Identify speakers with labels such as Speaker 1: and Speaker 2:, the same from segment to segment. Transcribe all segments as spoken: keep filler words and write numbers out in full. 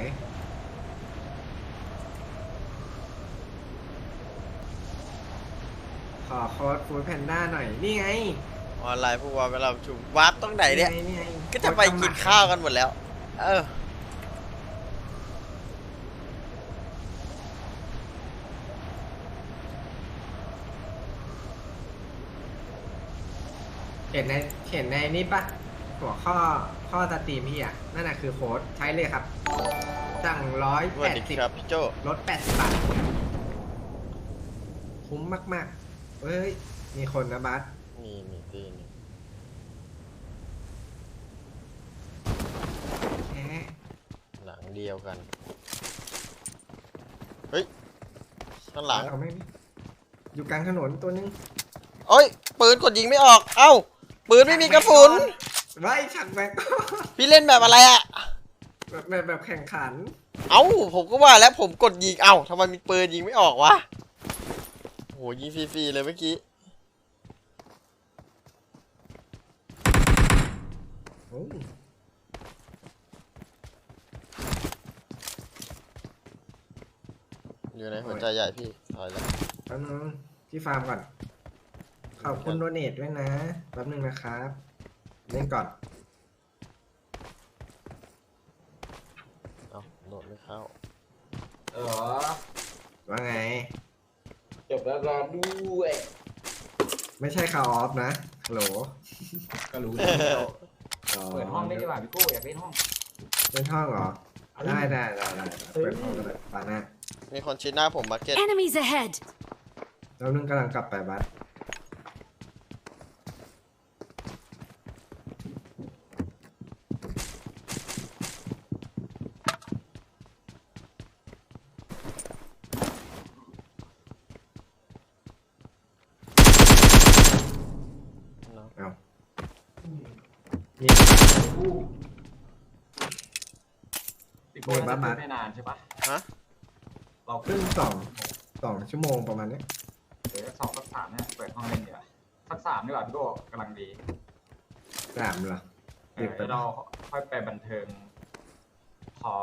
Speaker 1: ขอโค้ดฟู้ดแพนด้าหน่อยนี่ไง
Speaker 2: ออนไลน์พวกว่าเวลาชุมวัดตรงไหนเนี่ย
Speaker 1: นี่ไง
Speaker 2: ก็จะไปกินข้าวกันหมดแล้วเออ
Speaker 1: เห็นในเห็นในนี่ปะหัวข้อข้อสตรีมพี่อ่ะนั่นน่ะคือโค้ดใช้เลยครับสั่งร้อย
Speaker 2: ส
Speaker 1: แป
Speaker 2: วัส
Speaker 1: ด
Speaker 2: ดี
Speaker 1: สิบ
Speaker 2: ครับพี่โจ
Speaker 1: ลดแปดสิบบาทคุ้มมากๆเฮ้ยมีคนนะบัส
Speaker 2: มีมีตีนี่
Speaker 1: แหม
Speaker 2: หลังเดียวกันเฮ้ยข้างหลัง
Speaker 1: เขาไม่มีอยู่กลางถนนตัวนึง
Speaker 2: โอ้ยปืนกดยิงไม่ออกเอ้าปืนไม่มีกระสุน
Speaker 1: ไว้ฉักแม็ก
Speaker 2: พี่เล่นแบบอะไรอะ
Speaker 1: แบบแบบแบบแข่งขัน
Speaker 2: เอ้าผมก็ว่าแล้วผมกดยิงเอ้าทำไมมีปืนยิงไม่ออกวะโหยิงฟรีๆเลยเมื่อกี้
Speaker 1: โอ้
Speaker 2: อยู่ในหัวใจใหญ่พี่ถอยแล้ว
Speaker 1: แป๊บนึงที่ฟาร์มก่อนขอบคุณโดเนทด้วยนะแป๊บนึงนะครับเล่นก่อน
Speaker 2: เอ้าโดดไม่เข้า
Speaker 3: เออ
Speaker 1: ว่าไง
Speaker 3: จบแล้วรอด้วย
Speaker 1: ไม่ใช่คาออฟนะฮัลโหล
Speaker 3: ก็รู้แล้ว
Speaker 1: อ๋อ
Speaker 3: เปิดห้องได้ดีกว่าพี่โก้อยากเล่นห้อง
Speaker 1: เล่นห้องเหรอได้ได้ได้ได้เปิดห้องก็ได้ปานะ
Speaker 2: มีคนชี้หน้าผมมาร์เก็ต
Speaker 4: Enemies ahead!
Speaker 1: แล้วนึงกำลังกลับไปบัส
Speaker 2: เนาะ
Speaker 1: เอานี่
Speaker 3: พี่โก้น่าจะเล่นไม่นานใช่ปะ
Speaker 2: ฮะ
Speaker 3: เรา
Speaker 1: ครึ่งสองสองชั่วโมงประมาณนี้
Speaker 3: เดี๋ยวสองสักสามเนี่ยเปิดห้องเล่นดีกว่าสักสามดีกว่าพี่โก้กำลังดี
Speaker 1: สามเหรอ
Speaker 3: เดี๋ยวเราค่อยไปบันเทิงพอ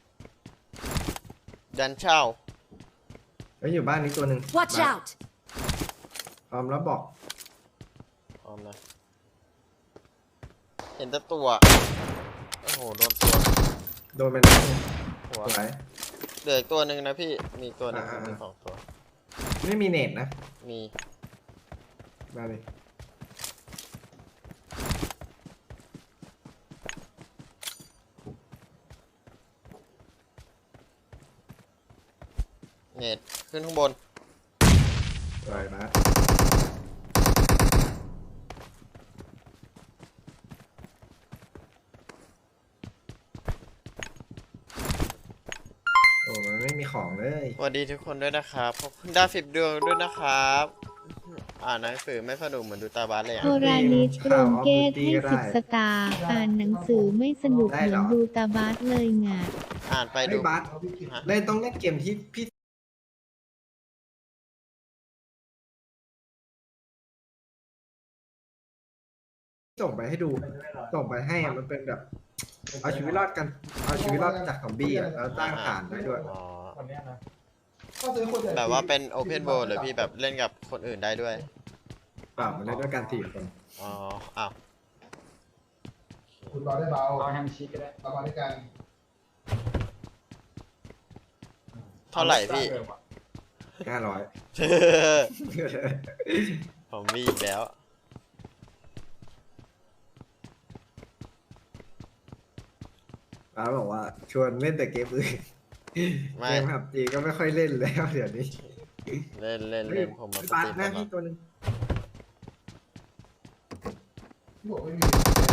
Speaker 2: ดันเช่า
Speaker 1: แล้วอยู่บ้านนี้ตัวหนึ่ง
Speaker 4: Watch
Speaker 1: บัส
Speaker 4: out!
Speaker 1: พร้อมแล้วบอก
Speaker 2: พร้อมนะเห็นแต่ตัวโอ้โหโดนตัว
Speaker 1: โดนไปแล้ว
Speaker 2: หัว
Speaker 1: สวย
Speaker 2: เหลืออีกตัวหนึ่งนะพี่มีตัวหนึง
Speaker 1: อ่าๆ
Speaker 2: มีสองตัว
Speaker 1: ไม่มีเน็ตนะ
Speaker 2: มี
Speaker 1: มาเลย
Speaker 2: เน็ตขึ้นข้างบน
Speaker 1: สวยบัสโอ้มันไม่มีของเลย
Speaker 2: สวัสดีทุกคนด้วยนะครับขอบคุณดาวสิบดวงด้วยนะครับอ่านหนังสือไม่สนุกเหมือนดูตาบาสเลยอ่ะ
Speaker 5: โทราลิสโรงเกตให้สิบสตาร์อ่านหนังสือไม่สนุกเหมือนดูตาบาสเลยไง
Speaker 2: อ่านไป
Speaker 1: ไอ้
Speaker 2: ดู
Speaker 1: บัส
Speaker 2: ฮะ
Speaker 1: เล่นต้องเล่นเกมที่พี่ส่งไปให้ดู ส่งไปให้อะมันเป็นแบบ เอาชีวิตรอดกัน เอาชีวิตรอดจากซอมบี้อ่ะแล้วตั้งฐานได้ด้วย
Speaker 2: อ๋อ
Speaker 3: วันนี้นะ
Speaker 2: แบบว่าเป็นโอเพนโบหรือพี่แบบเล่นกับคนอื่นได้ด้วย
Speaker 1: เปล่ามันเล่นด้วยกันสี่คน
Speaker 2: อ๋ออ้าว
Speaker 6: คุณรอได้เบา
Speaker 3: เอาแฮมชีสก็ได้
Speaker 6: เรามาด้วยกัน
Speaker 2: เท่าไหร่พี่
Speaker 1: ห้าร้อย
Speaker 2: ผมมีอีกแล้ว
Speaker 1: ป้าบอกว่าชวนเล่นแต่เกมอื่น
Speaker 2: ไม่
Speaker 1: เกมผับจีก็ไม่ค่อยเล่นแล้วเดี๋ยวนี้
Speaker 2: เล่นเล่นเล่นผมมาส
Speaker 1: บั
Speaker 2: ต
Speaker 1: ส
Speaker 2: รีม
Speaker 1: หน้า
Speaker 2: ตลอ
Speaker 1: ที่
Speaker 2: ด
Speaker 1: ตัวหนึง
Speaker 6: ที่บอกไม่มี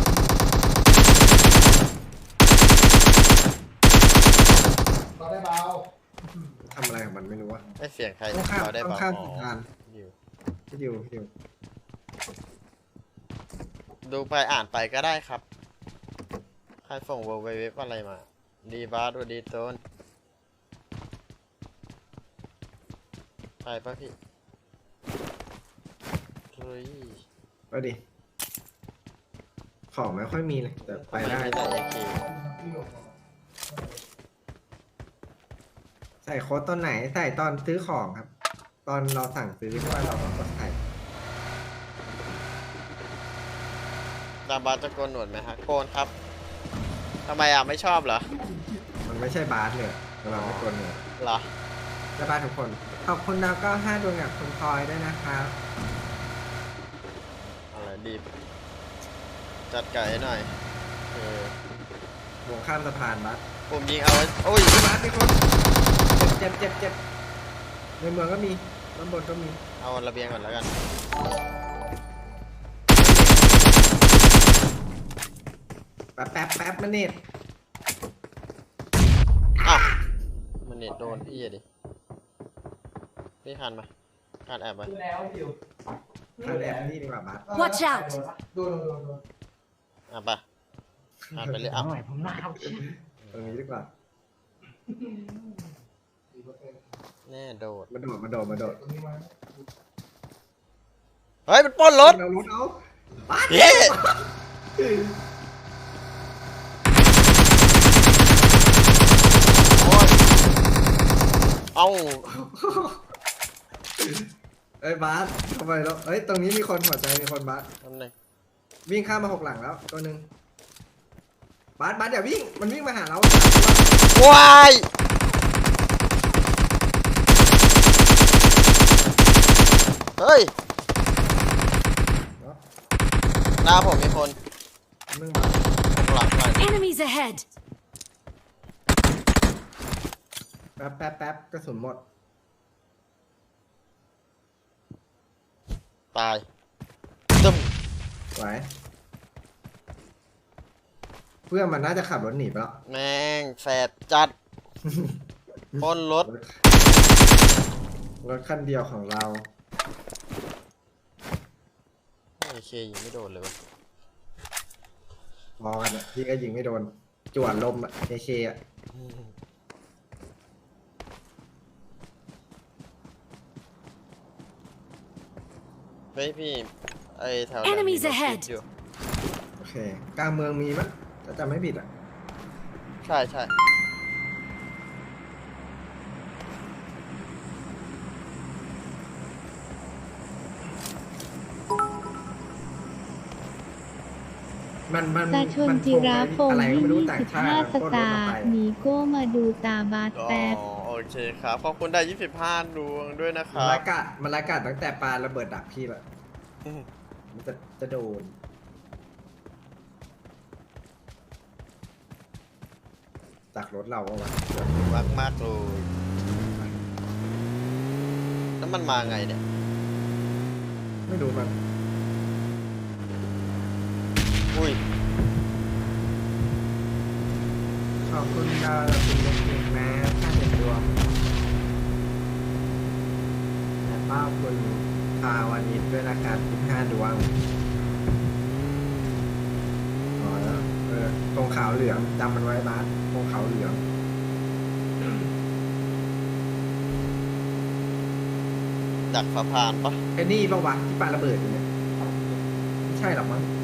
Speaker 6: รอได้เบา
Speaker 1: ทำอะไรของมันไม่รู้อะ
Speaker 2: ไม่เสียงใคร
Speaker 1: ต้องข้าม
Speaker 2: เราได้
Speaker 1: ต้อง
Speaker 2: เปล่า
Speaker 1: ข้าม
Speaker 2: อ๋อ
Speaker 1: สะพาน
Speaker 2: อยู่
Speaker 1: พี่ดิวพี่ดิว
Speaker 2: ดูไปอ่านไปก็ได้ครับ ใครส่งเว็บเว็บอะไรมา ดีบาสวัสดีต้นไปปะพี่เฮ้ย
Speaker 1: ไปดิ ของไม่ค่อยมีเลยแต่ไปได้
Speaker 2: ทำมมีแต่เอเค
Speaker 1: ใส่โค้ดตอนไหนใส่ตอนซื้อของครับ ตอนเราสั่งซื้อใช่ไหมเราก็ใส่
Speaker 2: ตาบาสจะโกนหนวดไหมฮะโกนครับทำไมอ่ะไม่ชอบเหรอ
Speaker 1: มันไม่ใช่บาสเลยเราไม่กดเลย
Speaker 2: เหรอ
Speaker 1: จะบาสทุกคนขอบคุณดาวก็ห้าดวงกับคุณพลอยด้วยนะครับ
Speaker 2: อะไรดีบจัดไก่ให้หน่อยเออ
Speaker 1: วงข้ามสะพานบาส
Speaker 2: ผมยิงเอาไว้โอ้ย
Speaker 1: บาสมีคนเจ็บเจ็บเจ็บในเมืองก็มีด้านบนก็มี
Speaker 2: เอาระเบียงก่อนแล้วกัน
Speaker 1: แป๊บแป๊บแป๊บมาเน็ต
Speaker 2: อ้าวมันเน็ตโดนพี่อะดิพี่คันมาคันแอบไป
Speaker 1: ทางแอบนี่ดีกว่าบาส
Speaker 4: Watch out
Speaker 6: โดนโดนโดน
Speaker 2: อ่ะไปคันไปเลยอ่ะ
Speaker 1: ตรงนี้ดีกว่า
Speaker 2: แน่โดด
Speaker 1: มาโดดมาโดดมาโดด
Speaker 6: ตรงนี้มา
Speaker 2: เฮ้ยมันปล้นรถ
Speaker 1: เรารถเอา
Speaker 2: เย้โอ้ยเอา
Speaker 1: เอ้ยบาสทำไมแล้วเอ้ยตรงนี้มีคนหัวใจมีคนบาส
Speaker 2: ทำหนึ่ง
Speaker 1: วิ่งข้ามมาหกหลังแล้วตัวหนึ่งบาสบาสอย่าวิ่งมันวิ่งมาหาเรา
Speaker 2: ว้ายเฮ้ยหน้าผมมีคน
Speaker 1: นึ่งบาส
Speaker 2: หลังไป
Speaker 4: Enemies ahead!
Speaker 1: แป๊บแป๊บแป๊บกระสุนหมด
Speaker 2: ตายตึม
Speaker 1: ไหวเพื่อนมันน่าจะขับรถหนีไปแล้ว
Speaker 2: แม่งแสบจัดปล้นรถ
Speaker 1: รถคันเดียวของเรา
Speaker 2: โอเคยิงไม่โดนเลยวะ
Speaker 1: พอกันอะพี่ก็ยิงไม่โดนจวดลมอะเคเคอะ
Speaker 2: เฮ้ยพี่ไอแถว
Speaker 4: Enemies
Speaker 2: นั้นมีรถ
Speaker 4: ahead
Speaker 2: ติดอยู่
Speaker 1: โอเคกลางเมืองมีมั้ยถ้าจำไม่ผิดอะ
Speaker 2: ใช่ใช่
Speaker 1: มันมัน
Speaker 5: ตาชน
Speaker 1: มัน
Speaker 5: จิราพง
Speaker 1: อะไร
Speaker 5: ศ์
Speaker 1: ก็ไม่รู้
Speaker 5: ยี่
Speaker 1: ต่าง
Speaker 5: สิบ
Speaker 1: ชาติ
Speaker 5: ห้า
Speaker 1: มัน
Speaker 5: ส
Speaker 1: โคตรรถ
Speaker 5: ตา
Speaker 1: มา
Speaker 5: ร์
Speaker 1: ไป
Speaker 5: หนีโก้มาดูตาบาส
Speaker 2: อ๋อ
Speaker 5: แป๊บ
Speaker 2: โอเคครับขอบคุณได้ยี่สิบห้าดวงด้วยนะค
Speaker 1: มัน
Speaker 2: รับ
Speaker 1: รายกาดมันรายกาดตั้งแต่ปลาระเบิดดักพี่ละ
Speaker 2: อืม
Speaker 1: มันจะจะโดนจากรถเราก็วะ
Speaker 2: มากมากเลยแล้วมันมาไงเนี่ย
Speaker 1: ไม่รู้มัน
Speaker 2: อุ้ย
Speaker 1: ขอบคุณดาวคุณเล็กๆนะถ้าเห็นดวงและป้าคุณพาวันนี้ด้วยนะครับสิบห้าดวงอ๋อแล้วเออตรงขาวเหลืองจำมันไว้บาสตรงขาวเหลือง
Speaker 2: ดักสะพานปะ
Speaker 1: ไอ้นี่ปะวะที่ปาระเบิดอยู่เนี่ยไม่ใช่หรอกมั้ง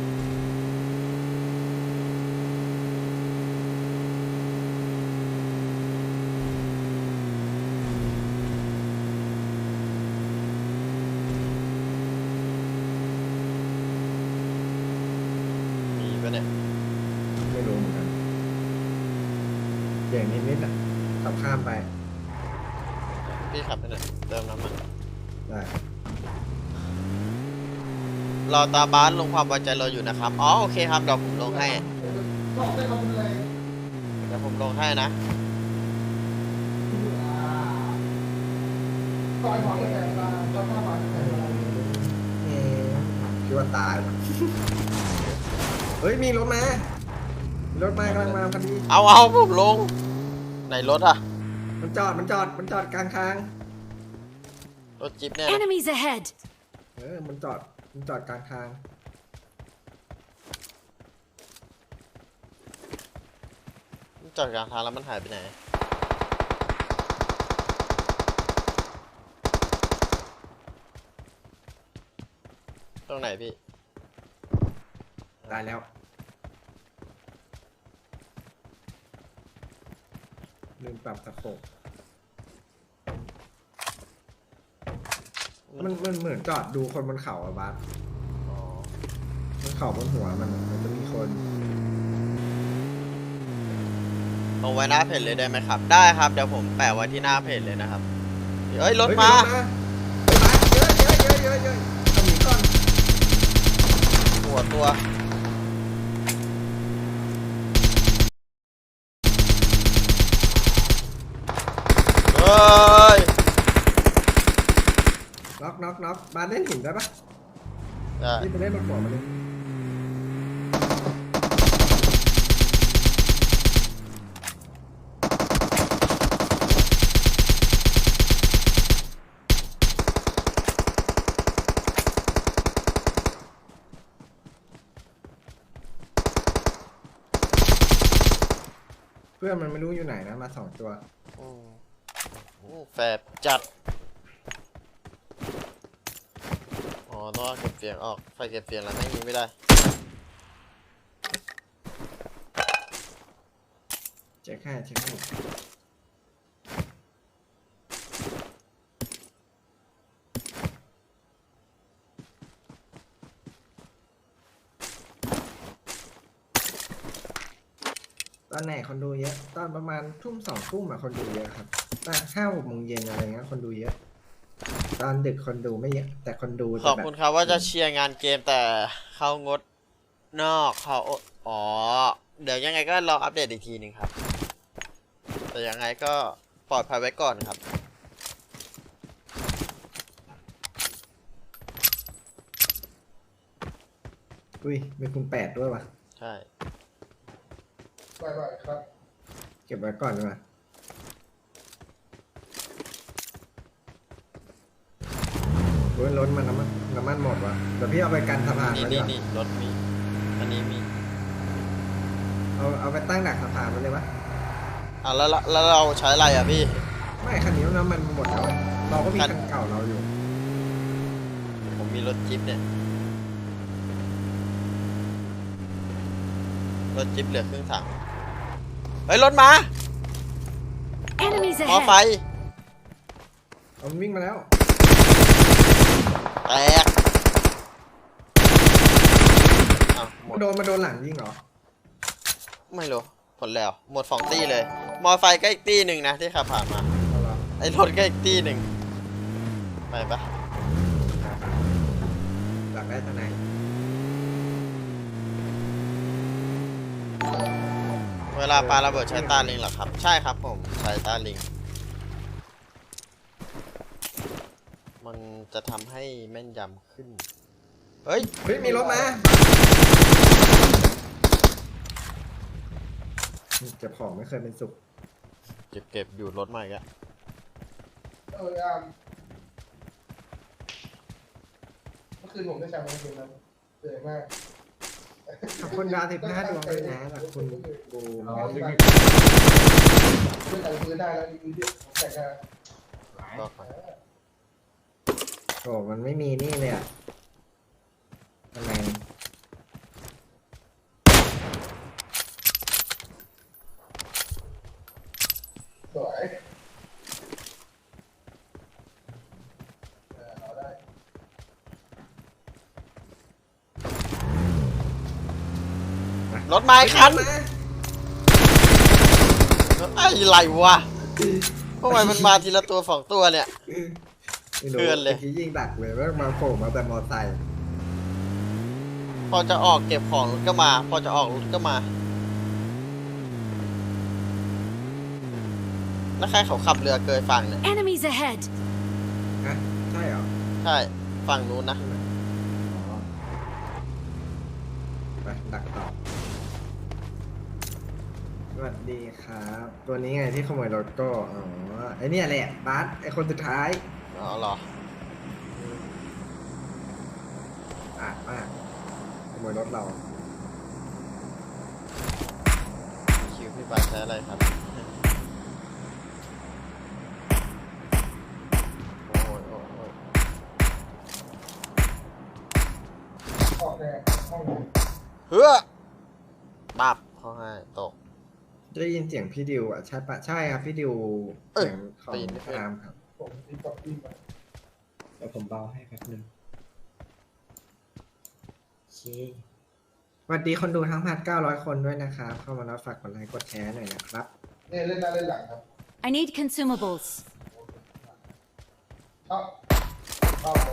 Speaker 2: มีปะเนี่ย
Speaker 1: ไม่รู้เหมือนกันเสียงนิดๆอ่ะขับข้ามไป
Speaker 2: พี่ขับไปหน่อยเติมน้ำมัน
Speaker 1: ได้
Speaker 2: รอตาบ้านลงความไว้ใจเราอยู่นะครับอ๋อโอเคครับเดี๋ยวผมลงให้
Speaker 6: ชอบได้ทำอะไร
Speaker 2: เดี๋ยวผมลงให้นะ
Speaker 6: ต่อยหมอนแต่ตาต่อยหมอนแต่ตา
Speaker 1: เอ๊ะคิดว่าตายว่ะเฮ้ยมีรถมามีรถมากำลังมาพอดี
Speaker 2: เอาเอาผมลงไหนรถอะ
Speaker 1: มันจอดมันจอดมันจอดกลางทาง
Speaker 2: รถจิ๊บเนี่ยนะ
Speaker 4: Enemies ahead!
Speaker 1: เออมันจอดมันจอดกลางทาง
Speaker 2: จอดกลางทางแล้วมันหายไปไหน ตรงไหนพี่
Speaker 1: ตายแล้วลืมปรับตะโขบมันมันเหมือนจอดดูคนบนเขาอะบาส
Speaker 2: อ๋อบ
Speaker 1: นเขาบนหัวมันมันจะมีคน
Speaker 2: ลงไว้หน้าเพจเลยได้ไหมครับ ได้ครับเดี๋ยวผมแปะไว้ที่หน้าเพจเลยนะครับเฮ้ยรถ
Speaker 1: เฮ้ย
Speaker 2: มา
Speaker 1: เฮ้ยบาสเยอะเยอะเยอะเยอะเยอะเอาหนีก่อน
Speaker 2: หัวตัวเฮ้ย
Speaker 1: น็อกน็อกน็อกบาสเล่นหินได้ปะ
Speaker 2: ได้
Speaker 1: นี่ไปเล่นบนหัวมันเลย เพื่อนมันไม่รู้อยู่ไหนนะมาสองตัว
Speaker 2: อืมอืมแฝดจัดอ๋อต้องเอาเก็บเสียงออกไฟเก็บเสียงแล้วแม่งยิงไม่ได้
Speaker 1: เช็คให้เช็คให้ตอนไหนคนดูเยอะ ตอนประมาณทุ่มสองทุ่มอะคนดูเยอะครับตอนห้าหกโมงเย็นอะไรเงี้ยคนดูเยอะ ตอนดึกคนดูไม่เยอะ แต่คนดู
Speaker 2: ข
Speaker 1: จะ
Speaker 2: อบ
Speaker 1: แบบ
Speaker 2: คุณครับว่าจะเชียร์งานเกมแต่เข้างดนอกเขาอ๋อ เดี๋ยวยังไงก็รออัปเดตอีกทีหนึ่งครับ แต่ยังไงก็ปลอดภัยไว้ก่อนครับ
Speaker 1: อุ้ยมีคุณแปดด้วยวะ
Speaker 2: ใช่
Speaker 6: บ่อยๆครับ
Speaker 1: เก็บไว้ก่อนดีกว่าโอ้ยรถมันน้ำมันน้ำมันหมดวะเดี๋ยวพี่เอาไปกันสะพาน
Speaker 2: นี่
Speaker 1: ไว้ดี
Speaker 2: นี่
Speaker 1: กว่า
Speaker 2: นี่รถมี อันนี้มี
Speaker 1: เอาเอาไปตั้งดักสะพานไว้เลยวะ
Speaker 2: อ่ะแล้วแล้วแล้วเราใช้อะไรอ่ะพี่
Speaker 1: ไม่คันนี้น้ำมันหมดแล้วเราก็มี
Speaker 2: คั
Speaker 1: คั
Speaker 2: น
Speaker 1: นเก่าเราอยู่
Speaker 2: ผมมีรถจิ๊บเนี่ย รถจิ๊บเหลือครึ่งถัง เฮ้ย รถมา
Speaker 4: Enemies
Speaker 2: มอไฟ
Speaker 4: ahead!
Speaker 1: เอามันวิ่งมาแล้ว
Speaker 2: แตกอ้าวหมด
Speaker 1: โดนมาโดนหลังยิงเหรอ
Speaker 2: ไม่รู้ผลแล้ว หมดสองตี้เลย มอไฟก็อีกตี้หนึ่งนะที่ขับผ่านมา
Speaker 1: เอาเหรอ
Speaker 2: ไอ้รถก็อีกตี้หนึ่งไปปะ
Speaker 1: หลังได้ทนาย
Speaker 2: เวลาปาระเบิดใช้ตาลิงเหรอครับ ใช่ครับผมใช้ตาลิง มันจะทำให้แม่นยำขึ้น เฮ้ย
Speaker 1: เฮ้ยมีรถมาเก็บของไม่เคยเป็นสุข
Speaker 2: เก็บเก็บอยู่รถใหม่ก็
Speaker 6: เอออ่ะเมื่อคืนผมได้แชมป์เมื่อคืนนั้นเหนื่อยมาก
Speaker 1: ขอบคุณดาวสิบห้าดวงด้วยนะขอบคุณบูม
Speaker 3: เราดึง
Speaker 6: เพื่อนแต่งปืนได้แล้วดีดีผมแต่งได้
Speaker 3: หลาย
Speaker 2: ก็ไป
Speaker 1: โอ้มันไม่มีนี่เลยอ่ะทำไม
Speaker 6: สวยเออเอาได้
Speaker 2: รถไม้คันไอ้ไรวะทำไมมันมาทีละตัวสองตัวเนี่ย
Speaker 1: ไม่รู้
Speaker 2: เพื่อนเลย
Speaker 1: มื่กี้ยิงดักเลยว่ามาโผล่มาแต่มอไซค์
Speaker 2: พอจะออกเก็บของรถก็มา พอจะออกรถก็มา แล้วใครเขาขับเรือเกยฝั่งเนี่ย
Speaker 4: Enemies ahead!
Speaker 1: ฮะใช่เหรอ
Speaker 2: ใช่ ฝั่งนู้นนะ
Speaker 1: อ๋อไปดักต่อสวัสดีครับ ตัวนี้ไงที่ขโมยรถก็อ๋อไอเนี่ยแหละบาสไอคนสุดท้าย
Speaker 2: อ๋อเหรอ
Speaker 1: อ่ะมากขโมยรถเรา
Speaker 2: คิวพี่บาสใช้อะไรครับ โอ้ยโอ้ยโอ้ย
Speaker 6: ออกแน่ห้องไหน
Speaker 2: เฮ้อปับเขาให้ตก
Speaker 1: ได้ยินเสียงพี่ดิวอ่ะใช่ปะใช่ครับพี่ดิว
Speaker 2: เอ้ย
Speaker 1: เสียงของ
Speaker 2: ได้ยินไม่เคย
Speaker 1: ตามครับ
Speaker 6: ผมตีกับตีมา
Speaker 1: เดี๋ยวผมเบาให้แป๊บนึงโอเคสวัสดีคนดูทั้งพันเก้าร้อยคนด้วยนะครับเข้ามาแล้วฝากกดไลค์กดแชร์หน่อยนะครับ
Speaker 6: เนี่ยเล่นหน้าเล่นหลังครับ
Speaker 4: I need consumables.
Speaker 6: เข้าเข้าเลย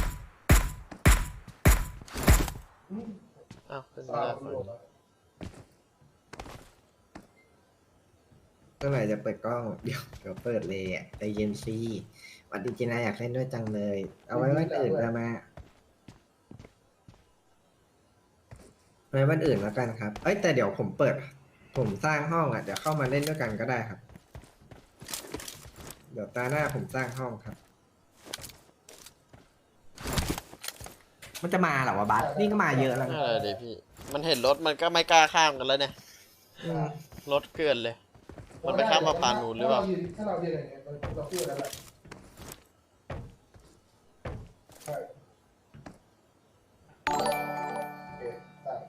Speaker 2: อ้าวขึ้น
Speaker 6: เข้า
Speaker 2: มา
Speaker 6: ไม่
Speaker 2: แล้ว
Speaker 6: ลงแล้ว
Speaker 1: เมื่อไหร่จะเปิดกล้องเดี๋ยวเดี๋ยวเปิดเลยอ่ะใจเย็นซีสวัสดีจีน่าอยากเล่นด้วยจังเลย เอาไว้วันอื่นได้ไหมไว้วันอื่นแล้วกันครับ เอ้ยแต่เดี๋ยวผมเปิด ผมสร้างห้องอ่ะเดี๋ยวเข้ามาเล่นด้วยกันก็ได้ครับ เดี๋ยวตาหน้าผมสร้างห้องครับ มันจะมาเหรอวะบัสนี่ก็มาเยอะแล้ว
Speaker 2: นั่
Speaker 1: นะ
Speaker 2: นแหละดิพี่ มันเห็นรถมันก็ไม่กล้าข้ามกันแล้วเนี่ย
Speaker 1: อืม
Speaker 2: รถเกลื่อนเลย มันไปข้ามมาปานนูนหรือเปล่า
Speaker 6: ถ้าเรายืนอย่างเงี้ยเราพูดแล้วแหละใช่โอเคใช่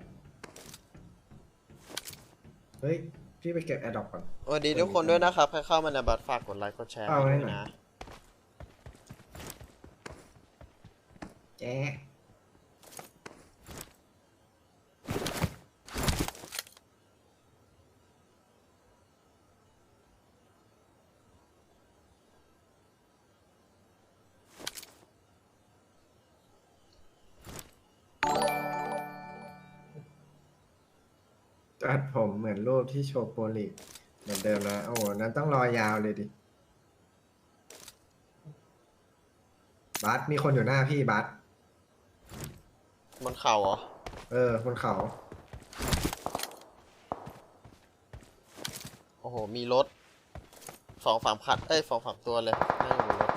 Speaker 1: เฮ้ยพี่ไปเก็บแอร์ดรอปก่อน
Speaker 2: สวัสดีทุกคนด้วยนะครับ ใครเข้ามาในบัตรฝากกดไลค์กดแชร์
Speaker 1: เอาไว้
Speaker 2: ด้วย
Speaker 1: หน่อย
Speaker 2: นะ
Speaker 1: แจ๊จัดผมเหมือนรูปที่โชว์โปรลิกเหมือนเดิมนะ โอ้โหนั้นต้องรอยาวเลยดิ บัสมีคนอยู่หน้าพี่บัส
Speaker 2: บนเข่าเหรอ
Speaker 1: เออบนเขา
Speaker 2: โอ้โห มีรถสองสามคันเอ้ยสองสามตัวเลยนั่งอยู่บนรถ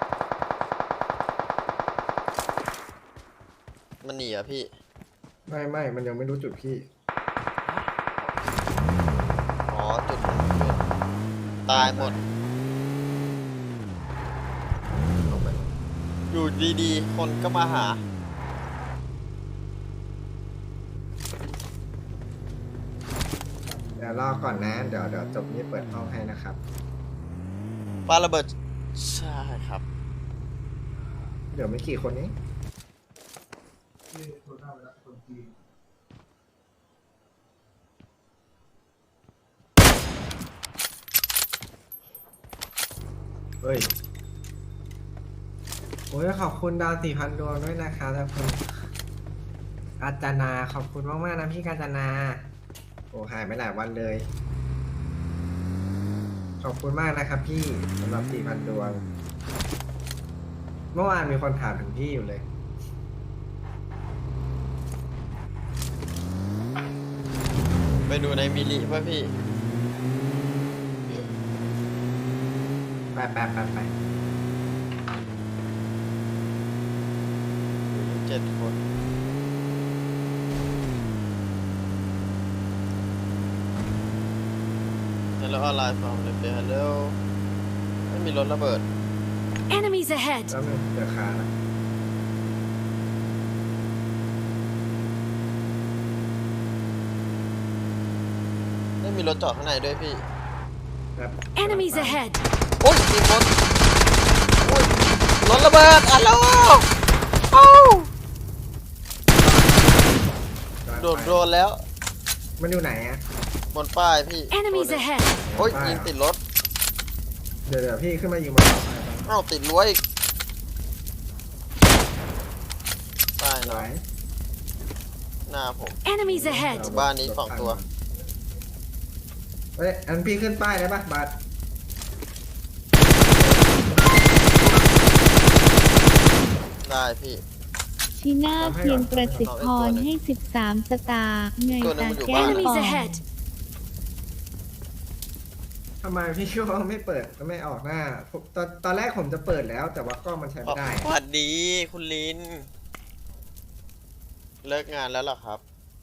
Speaker 2: มันหนีอ่ะพี่
Speaker 1: ไม่ไม่มันยังไม่รู้จุดพี่
Speaker 2: อ๋อ จุดมันเกิดตายหมด อยู่ดีๆ คนก็มาหา
Speaker 1: เดี๋ยวรอก่อนนะ เดี๋ยวเดี๋ยวจบนี้เปิดห้องให้นะครับ
Speaker 2: ปาระเบิด ใช่ครับ
Speaker 1: เดี๋ยวไม่กี่คนนี้
Speaker 6: นี่ตัวหน้าไปแล้วคนจีน
Speaker 1: เฮ้ย โอ้ยขอบคุณดาวสี่พันดวงด้วยนะคะทุกคนกาญจนาขอบคุณมากๆนะพี่กาญจนา โอ้หายไปหลายวันเลย ขอบคุณมากนะครับพี่สำหรับสี่พันดวง เมื่อวานมีคนถามถึงพี่อยู่เลย
Speaker 2: ไปดูในมิลลิป่ะพี่
Speaker 1: ไปไปไปไป
Speaker 2: เจ็ดคนฮัลโหลออนไลน์ฟอร์มเลยเปียฮัลโหลไม่มีรถระเบิด
Speaker 4: Enemies ahead.
Speaker 1: แล้วมันเจอคาแล้ว
Speaker 2: ไม่มีรถจอดข้างในด้วยพี่
Speaker 1: ครับ
Speaker 4: Enemies ahead.
Speaker 2: โอ้ยมีรถโอ้ยรถระเบิดฮัลโหลเอ้าโดนโดนแล้ว
Speaker 1: มันอยู่ไหนอะ
Speaker 2: บนป้ายพี่
Speaker 4: Enemies
Speaker 2: โดน
Speaker 4: ahead.
Speaker 2: โอ้ยยิงติดรถ
Speaker 1: เดี๋ยวเดี๋ยวพี่ขึ้นมายิงมันต่อไป
Speaker 2: เอ้าติดรั้วอีกป้าย
Speaker 1: ไห
Speaker 2: ห
Speaker 1: น
Speaker 2: น่อยหน้าผม
Speaker 4: Enemies ahead.
Speaker 2: บ้านนี้สองตัว
Speaker 1: เฮ้ย อันพี่ขึ้นป้ายได้ปะบัส
Speaker 2: ได้พี่
Speaker 5: ชิน่าเพียงประสิทธิ์พรให้สิบสามสตาร์ไง
Speaker 2: ตัวหนึ่
Speaker 5: ตาง
Speaker 2: มันอยู่
Speaker 5: แก้
Speaker 2: บ้าน
Speaker 5: ว
Speaker 4: Enemies ahead.
Speaker 1: ทำไมพี่ก็ไม่เปิดไม่ออกหน้าผมตอนตอนแรกผมจะเปิดแล้ว แต่ว่ากล้องมันใช้ไม่ได้
Speaker 2: สวัสดีคุณลิน เลิกงานแล้วเหรอครับ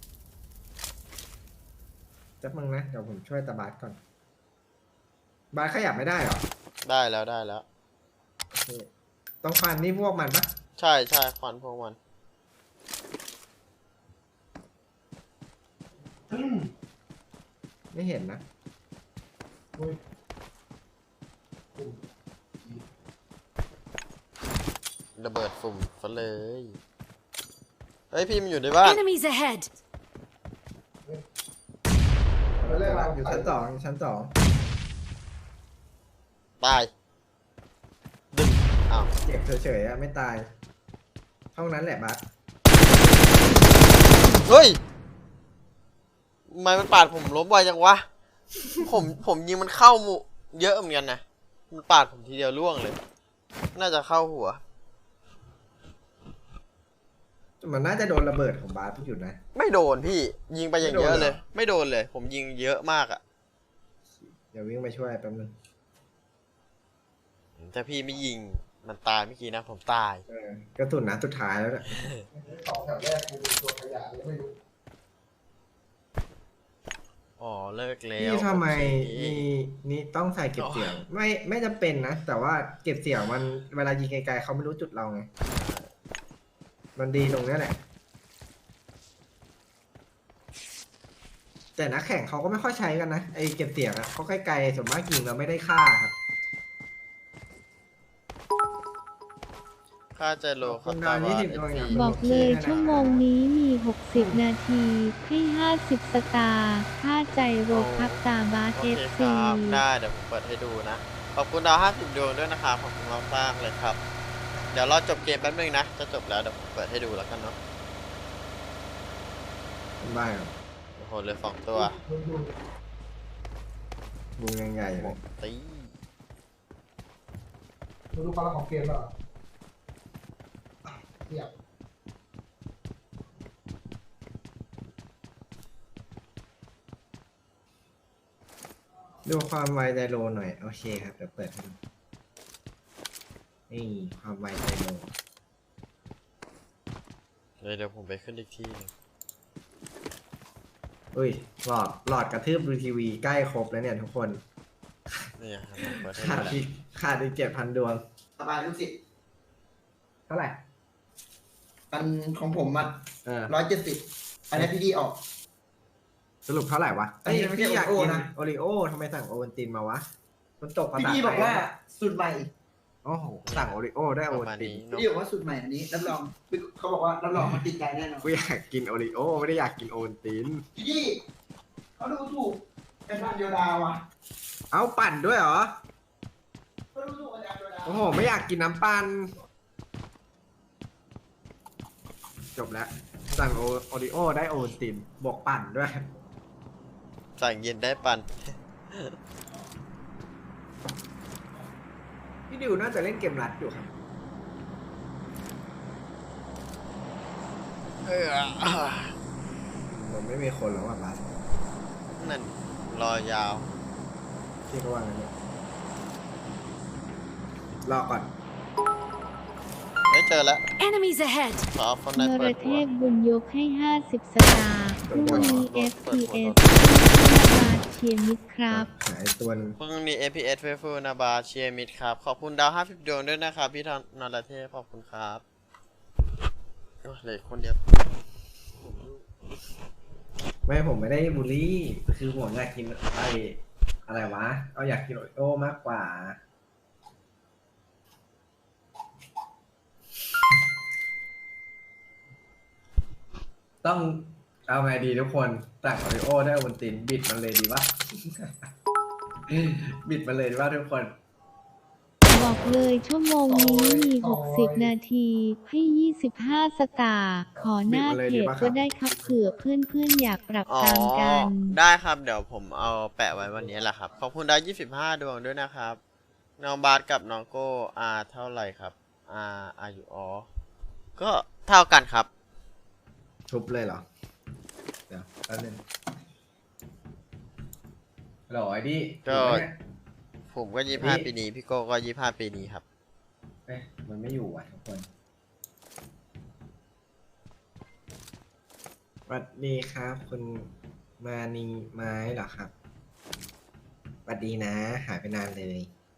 Speaker 1: จับมึงนะ เดี๋ยวผมช่วยตาบาสก่อน บาสขยับไม่ได้เหรอ
Speaker 2: ได้แล้วได้แล้ว
Speaker 1: โอเคต้องฟันนี่พวกมันปะ
Speaker 2: ใช่ใช่ควันพวกมัน
Speaker 1: ไม่เห็นนะ
Speaker 6: อุ้ย
Speaker 2: ระเบิดฝุ่มซะเลย เฮ้ยพี่มันอยู่ในบ้าน
Speaker 4: Enemies ahead!
Speaker 6: แล้วแรกเรา
Speaker 1: อยู่ชั้นสองอยู่ชั้นสอง
Speaker 2: ตาย ดึงอ้าว
Speaker 1: เจ็บเฉยๆอะไม่ตายห้องนั้นแหละบัส
Speaker 2: เฮ้ยทำไมมันปาดผมล้มไวจังวะ ผมผมยิงมันเข้าหมุเยอะเหมือนกันนะ มันปาดผมทีเดียวล่วงเลย น่าจะเข้าหัว
Speaker 1: มันน่าจะโดนระเบิดของบาสที่อยู่นะ
Speaker 2: ไม่โดนพี่ยิงไปอย่างเยอะ
Speaker 1: ไม่โดนเหรอ
Speaker 2: เลย ไม่โดนเลย ผมยิงเยอะมากอะ
Speaker 1: เดี๋ยววิ่งไปช่วยแป๊บนึง
Speaker 2: แต่พี่ไม่ยิงมันตายเมื่อกี้นะผมตาย
Speaker 1: เออกระสุนนัดสุดท้ายแล้วเนี่ย
Speaker 6: สองแถวแรกกูดูตัวขยะเลยไม่รู้
Speaker 2: อ๋อเลิกแล้ว
Speaker 1: พี่ทำไม
Speaker 2: โอเค
Speaker 1: นี่นี่ต้องใส่เก็บเสียง ไม่ไม่จำเป็นนะ แต่ว่าเก็บเสียงมันเวลายิงไกลๆเขาไม่รู้จุดเราไง มันดีตรงเนี้ยแหละ แต่นักแข่งเขาก็ไม่ค่อยใช้กันนะไอเก็บเสียงอะเขาไกลๆส่วนมากยิงเราไม่ได้ค่าครับ
Speaker 2: ค่าใจโล
Speaker 1: ค
Speaker 2: เขา
Speaker 1: น
Speaker 2: ตา
Speaker 1: ดาว
Speaker 2: ว่า
Speaker 1: ยี่สิบดวงอย่าง
Speaker 5: บอกเลยชั่วโมงนี้มี หกสิบ นาที ให้ห้าสิบ สตาร์ค่าใจโรพักตาบาส
Speaker 2: โอ
Speaker 5: เอ
Speaker 2: เค
Speaker 5: ฟ
Speaker 2: ค
Speaker 5: ซี
Speaker 2: รับได้เดี๋ยวผมเปิดให้ดูนะ ขอบคุณดาวห้าสิบดวงด้วยนะครับขอบคุณมากมากๆเลยครับ เดี๋ยวเราจบเกมแป๊บนึงนะ จะจบแล้วเดี๋ยวผมเปิดให้ดูแล้วกันเนาะ
Speaker 1: บ้าครับ
Speaker 2: โอ้โหเหลือสองตัว
Speaker 6: ดูดู
Speaker 1: วงยังใหญ่เลย
Speaker 2: ตี
Speaker 6: ดูดูความรักของเกมแล้วเทียบ
Speaker 1: ดูความไวไดโลหน่อย โอเคครับ เดี๋ยวเปิดให้ดูนี่ความไวไดโล
Speaker 2: เดี๋ยวเดี๋ยวผมไปขึ้นอีกที่หนึง
Speaker 1: อุ้ยหลอดหลอดกระทืบดูทีวีใกล้ครบแล้วเนี่ยทุกคน
Speaker 2: นี่ครับผมเปิดให้
Speaker 1: ขา
Speaker 2: ดู
Speaker 1: ด
Speaker 2: แล้ว
Speaker 1: อีกขาดอีกเจ็ดพันดวง
Speaker 7: สบายลูกศิษย์
Speaker 1: เท่าไหร่
Speaker 7: อันของผมอ่ะ
Speaker 1: เออ
Speaker 7: ร้อยเจ็ดสิบอันนี้พี่ดีออก
Speaker 1: สรุปเท่าไหร่วะ
Speaker 7: อันนี้
Speaker 1: เอ้ย
Speaker 7: ไม่ใช่
Speaker 1: พี่อยาก
Speaker 7: โอ
Speaker 1: กิน
Speaker 7: นะ
Speaker 1: โอริโอทำไมสั่งโอวัลตินมาวะ มันตกภา
Speaker 7: พี่
Speaker 1: ษา
Speaker 7: ดี
Speaker 1: ไท
Speaker 7: บอก
Speaker 1: ย
Speaker 7: ว่าสูตรใหม่
Speaker 1: โอ้โห สั่งโอริโอได้โอ
Speaker 2: ประ
Speaker 1: วัล
Speaker 2: มาณ
Speaker 1: ติน
Speaker 2: นี้
Speaker 7: พี่
Speaker 2: เนาะ
Speaker 7: ดีบอกว่าสูตรใหม่อันนี้รับรองเขาบอกว่ารับรองมันติดใจแน่นอน
Speaker 1: กูอยากกินโอริโอไม่ได้อยากกินโอวัลติน
Speaker 7: พี่ดีเขาดูถูกเป็นพันเดียวดาวอ่ะ
Speaker 1: เอาปั่นด้วยเหรอ
Speaker 7: เขาดูถูกอาจารย์เดียวดาว
Speaker 1: โอ้โห ไม่อยากกินน้ำปั่นจบแล้ว สั่งโอโอริโอได้โอวัลตินบวกปั่นด้วย
Speaker 2: สั่งเย็นได้ปัน
Speaker 1: พี่ดิวน่าจะเล่นเกมรัดอยู่ครับ
Speaker 2: เออ
Speaker 1: ผมไม่มีคนแล้วอ่ะบัส
Speaker 2: นั่นรอยาว
Speaker 1: พี่ก็ว่างั้นเนี่ยรอก่อน
Speaker 2: ไม่เจอแล้ว
Speaker 4: Enemies ahead!
Speaker 2: ขอคน
Speaker 5: น
Speaker 2: นั้น
Speaker 5: ร
Speaker 2: เปิด
Speaker 5: เท
Speaker 2: หัว
Speaker 5: พบุญยกให้ ห้าสิบ สตาร์พรุ่งนี้ เอฟ พี เอส บาสเชียร์มิตรครับ
Speaker 1: หายตัวหนึง
Speaker 2: พรุ่งนี้ เอ พี เอส เฟฟูนาบาเชียร์มิดครับ ขอบคุณดาวห้าสิบดวงด้วยนะครับ พี่ธนรเทพขอบคุณครับโอ้ยเหลยคนเดียว
Speaker 1: ไม่ผมไม่ได้บูลลี่ คือผมอยากกินไออะไรวะ เอาอยากกินโอริโอมากกว่า ต้องเอาไงดีทุกคนสั่งโอริโอได้โอวัลตินบิดมันเลยดีวะ บิดมันเลยดีว่าทุกคน
Speaker 5: บอกเลยชั่วโมงนี้มี หกสิบ นาที ให้ ยี่สิบห้า สตาร์ขอหน้าเพจก็ได้ครับเผื่อเพื่อนๆอยากปรับ
Speaker 2: อ๋อ
Speaker 5: ตามกัน
Speaker 2: ได้ครับ เดี๋ยวผมเอาแปะไว้วันนี้แหละครับ ขอบคุณดาวยี่สิบห้าดวงด้วยนะครับ น้องบาสกับน้องโก้อาเท่าไหร่ครับอาอายุอ๋อ ก็เท่ากันครับ
Speaker 1: ทุบเลยเหรอ เดี๋ยวแป๊บนึงฮัลโหลไอ้ดิ
Speaker 2: ก็
Speaker 1: อยู่ไหมเนี่ย
Speaker 2: ผมก็ยี่ห้า
Speaker 1: นี่
Speaker 2: ปีนี้ พี่โก้ก็ยี่ห้าปีนี้ครับ
Speaker 1: เอ๊ะมันไม่อยู่อ่ะทุกคนสวัสดีครับ คุณมานีไม้เหรอครับสวัสดีนะ หายไปนานเลย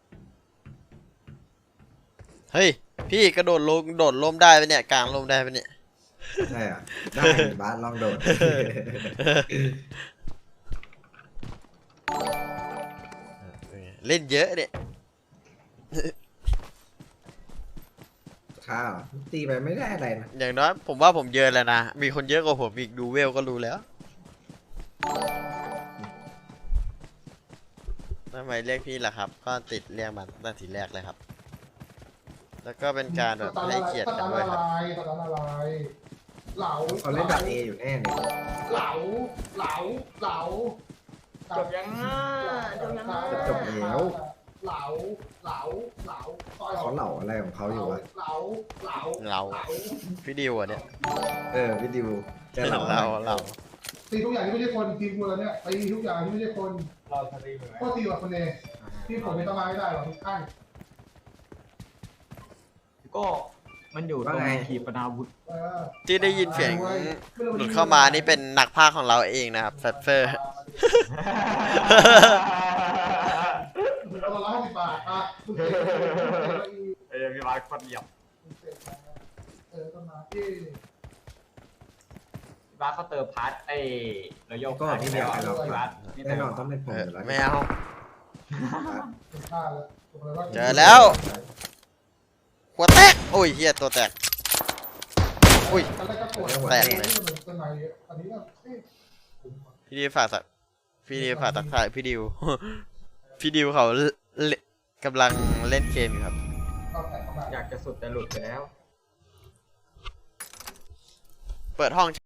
Speaker 2: เฮ้ย พี่กระโดดลงโดดล่มได้ปะเนี่ย กลางล่มได้ปะเนี่ย
Speaker 1: ใช่เหรอ ได้บ้านลองโดด
Speaker 2: เล่นเยอะเนี่ย
Speaker 1: คค้าเหรอตีไปไม่ได้อะไรนะ
Speaker 2: อย่างน้อยผมว่าผมเยอะแล้วนะ มีคนเยอะกว่าผมอีกดูเวลก็รู้แล้วทำไมเรียกพี่ล่ะครับ ก็ติดเรียกมันตั้งแต่ทีแรกเลยครับ แล้วก็เป็นการแบบให้เกียรติกันด้วยครับ
Speaker 6: สตาร์ทอะไรสตาร์ทอะไรเหลา
Speaker 1: เขาเล่นแบบเออยู่แน่เลย
Speaker 6: เหลาเหลาเหลา
Speaker 3: จบยังอ่ะจบยังอ่ะ
Speaker 1: จะจบแล้ว
Speaker 6: เหลาเหลาเหลาซอย
Speaker 1: เขาเหล่าอะไรของเขาอยู่วะ
Speaker 6: เหลาเหลา
Speaker 2: เหลา พี่ดิวอ่ะเนี่ย
Speaker 1: เออพี่ดิวจะเหล่า
Speaker 2: เราเรา
Speaker 6: ตีทุกอย่างที่ไม่ใช่คนทีมกูแล้วเนี่ยตีทุกอย่างที่ไม่ใช่คน
Speaker 7: เราทะเลเหมือน
Speaker 6: ก็ตีแบบคนเองที่ผมไม่ต้องมาไม่ได้หรอกทุกท่าน
Speaker 3: ก็มันอยู่ตรงขีปนาวุธ
Speaker 6: เออ
Speaker 2: ที่ได้ยินเสียงหลุดเข้ามานี่เป็นนักพากย์ของเราเองนะครับแฟตเฟอร์
Speaker 6: เอาละร้อยห้าสิบบาทอ่ะคุณเสก
Speaker 3: เอ้ยพี่บาสคนเหลี่ยม
Speaker 6: คุณเสกเออต้นไม้ที่
Speaker 3: พี่บาสเขาเติมพาร์ทไอ้เราโยก
Speaker 1: ก็พี่เดียวกันเรา
Speaker 3: พี่บาสนี่
Speaker 1: แน่
Speaker 3: เติม
Speaker 1: นอนต้องเป็นผมอยู่แล้ว
Speaker 2: ไม่เอา
Speaker 6: เป็นค่าแล้วผมเลยว่า
Speaker 2: เจอแล้ว หัวแตก โอ้ยเฮียตัวแตก อุ้ย
Speaker 6: ตอนแรกก็ปวด
Speaker 2: แตกเลย
Speaker 6: ต้นไม้เยอะอันนี้ก็เอ๊ะ
Speaker 2: พี่ดิวฝากสักพี่ดิวฝากตักทายพี่ดิว พี่ดิวเขาเล่นกำลังเล่นเกมอยู่ครับ
Speaker 6: เอาแตกเข้ามา
Speaker 3: อยากจะสุดแต่หลุดไปแล้ว
Speaker 2: เปิดห้อง